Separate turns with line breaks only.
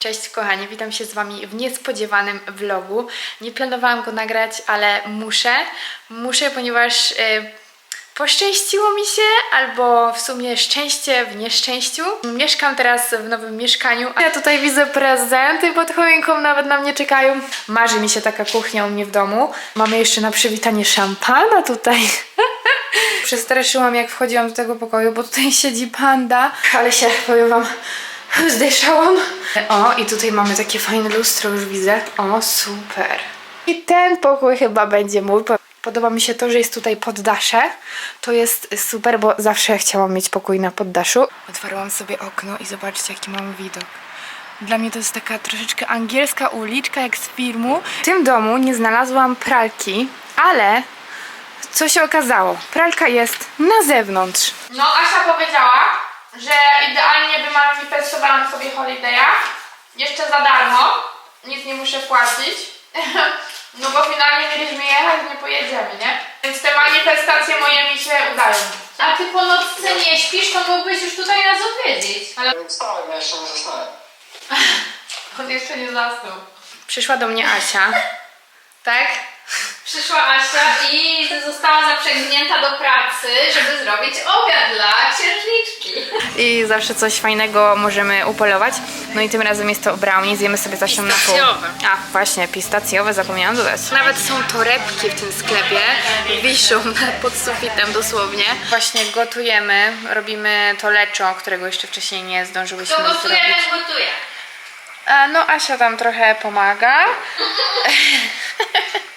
Cześć kochani, witam się z Wami w niespodziewanym vlogu. Nie planowałam go nagrać, ale muszę, ponieważ poszczęściło mi się, albo w sumie szczęście w nieszczęściu. Mieszkam teraz w nowym mieszkaniu. Ja tutaj widzę prezenty pod choinką, nawet na mnie czekają. Marzy mi się taka kuchnia u mnie w domu. Mamy jeszcze na przywitanie szampana tutaj. Przestraszyłam, jak wchodziłam do tego pokoju, bo tutaj siedzi panda. Ale się, powiem Wam, zdyszałam. O, i tutaj mamy takie fajne lustro, już widzę. O, super. I ten pokój chyba będzie mój. Podoba mi się to, że jest tutaj poddasze. To jest super, bo zawsze chciałam mieć pokój na poddaszu. Otwarłam sobie okno i zobaczcie, jaki mam widok. Dla mnie to jest taka troszeczkę angielska uliczka, jak z filmu. W tym domu nie znalazłam pralki, ale co się okazało? Pralka jest na zewnątrz. No, Asia powiedziała, że idealnie wymanifestowałam sobie Holiday'a. Jeszcze za darmo. Nic nie muszę płacić. No bo finalnie mieliśmy jechać, nie pojedziemy, nie? Więc te manifestacje moje mi się udają.
A ty po nocce nie śpisz, to mógłbyś już tutaj nas odwiedzić.
Ale
Wstałem, ja jeszcze nie zasnąłem.
on jeszcze nie zasnął. Przyszła do mnie Asia. Tak?
Przyszła Asia i została zaprzęgnięta do pracy, żeby zrobić obiad dla księżniczki.
I zawsze coś fajnego możemy upolować. No i tym razem jest to brownie. Zjemy sobie Zasią na pół.
Pistacjowe.
A, właśnie, pistacjowe, zapomniałam dodać. Nawet są torebki w tym sklepie. Wiszą pod sufitem dosłownie. Właśnie gotujemy. Robimy to leczo, którego jeszcze wcześniej nie zdążyłyśmy
To gotuje,
zrobić.
ten gotuje.
No Asia tam trochę pomaga.